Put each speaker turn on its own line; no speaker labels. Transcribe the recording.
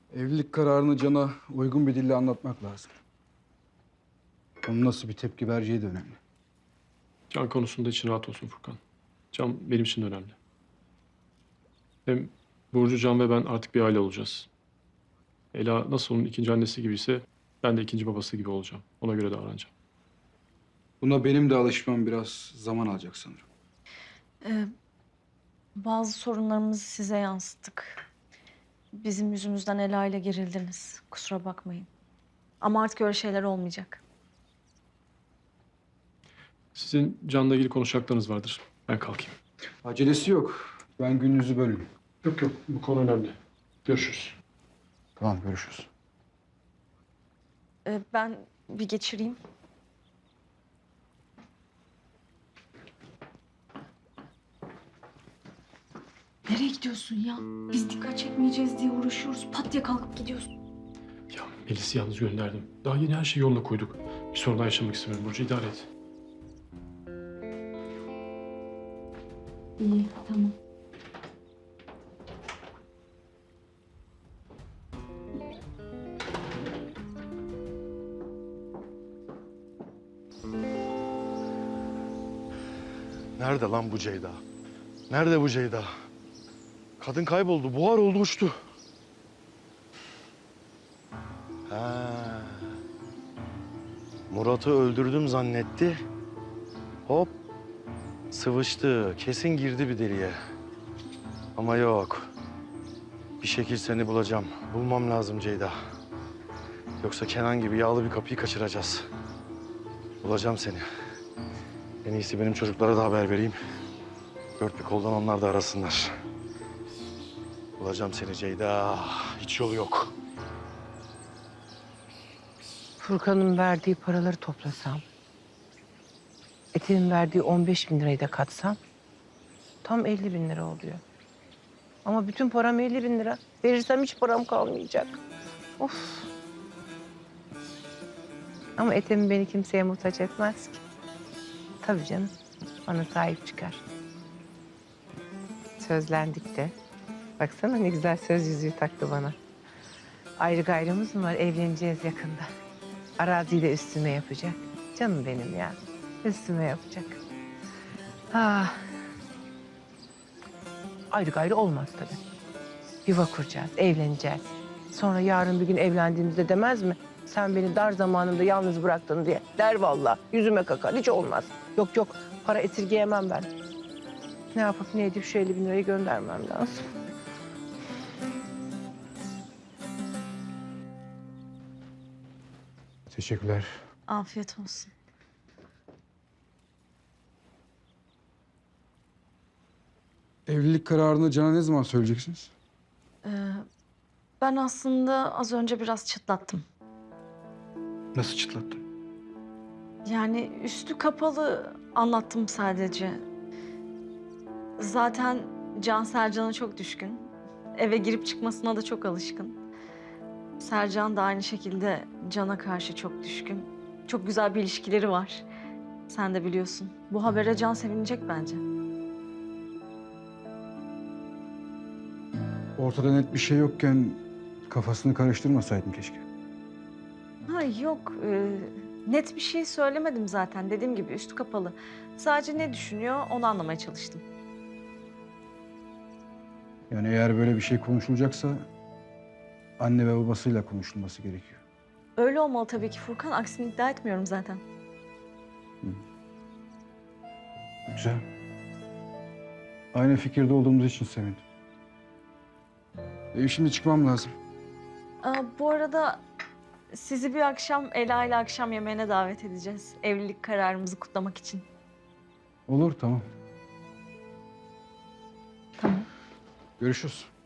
Evlilik kararını Can'a uygun bir dille anlatmak lazım. Onun nasıl bir tepki vereceği de önemli.
Can konusunda için rahat olsun Furkan. Can benim için de önemli. Hem Burcu, Can ve ben artık bir aile olacağız. Ela nasıl onun ikinci annesi gibiyse ben de ikinci babası gibi olacağım. Ona göre davranacağım.
Buna benim de alışmam biraz zaman alacak sanırım.
Ee, Bazı sorunlarımızı size yansıttık. Bizim yüzümüzden Ela ile gerildiniz. Kusura bakmayın. Ama artık öyle şeyler olmayacak.
Sizin Can'la ilgili konuşacaklarınız vardır. Ben kalkayım.
Acelesi yok. Ben gününüzü bölün.
Yok yok, bu konu önemli. Görüşürüz.
Tamam, görüşürüz.
Ben bir geçireyim. Nereye gidiyorsun ya? Biz dikkat çekmeyeceğiz diye uğraşıyoruz. Pat diye kalkıp gidiyorsun.
Ya Melis'i yalnız gönderdim. Daha yeni her şeyi yoluna koyduk. Bir sorun daha yaşamak istemiyorum Burcu, idare et.
İyi, tamam.
Nerede lan bu Ceyda? Nerede bu Ceyda? Kadın kayboldu, buhar oldu, uçtu. Ha. Murat'ı öldürdüm zannetti. Hop, sıvıştı. Kesin girdi bir deliğe. Ama yok. Bir şekil seni bulacağım. Bulmam lazım Ceyda. Yoksa Kenan gibi yağlı bir kapıyı kaçıracağız. Bulacağım seni. En iyisi benim çocuklara da haber vereyim. Dört bir koldan onlar da arasınlar. Bulacağım seni Ceyda. Hiç yolu yok.
Furkan'ın verdiği paraları toplasam, Ete'nin verdiği 15 bin lirayı da katsam tam 50 bin lira oluyor. Ama bütün param 50 bin lira. Verirsem hiç param kalmayacak. Of. Ama Ethem beni kimseye muhtaç etmez ki. Tabii canım. Bana sahip çıkar. Sözlendik de. Baksana ne güzel söz yüzüğü taktı bana. Ayrı gayrımız mı var? Evleneceğiz yakında. Araziyi de üstüme yapacak. Canım benim ya. Üstüme yapacak. Ah. Ayrı gayrı olmaz tabii. Yuva kuracağız, evleneceğiz. Sonra yarın bir gün evlendiğimizde demez mi? Sen beni dar zamanımda yalnız bıraktın diye. Der vallahi. Yüzüme kakar. Hiç olmaz. Yok yok. Para esirgeyemem ben. Ne yapıp ne edip şu 50 bin lirayı göndermem lazım.
Teşekkürler.
Afiyet olsun.
Evlilik kararını Can'a ne zaman söyleyeceksiniz?
Ben aslında az önce biraz çıtlattım.
Nasıl çıtlattın?
Yani üstü kapalı anlattım sadece. Zaten Can Sercan'a çok düşkün. Eve girip çıkmasına da çok alışkın. Sercan da aynı şekilde Can'a karşı çok düşkün. Çok güzel bir ilişkileri var. Sen de biliyorsun. Bu habere Can sevinecek bence.
Ortada net bir şey yokken kafasını karıştırmasaydım keşke.
Ha yok, net bir şey söylemedim zaten. Dediğim gibi üstü kapalı. Sadece ne düşünüyor onu anlamaya çalıştım.
Yani eğer böyle bir şey konuşulacaksa anne ve babasıyla konuşulması gerekiyor.
Öyle olmalı tabii ki Furkan. Aksini iddia etmiyorum zaten.
Güzel. Aynı fikirde olduğumuz için sevindim. Şimdi çıkmam lazım.
Bu arada sizi bir akşam Ela ile akşam yemeğine davet edeceğiz. Evlilik kararımızı kutlamak için.
Olur, tamam.
Tamam.
Görüşürüz.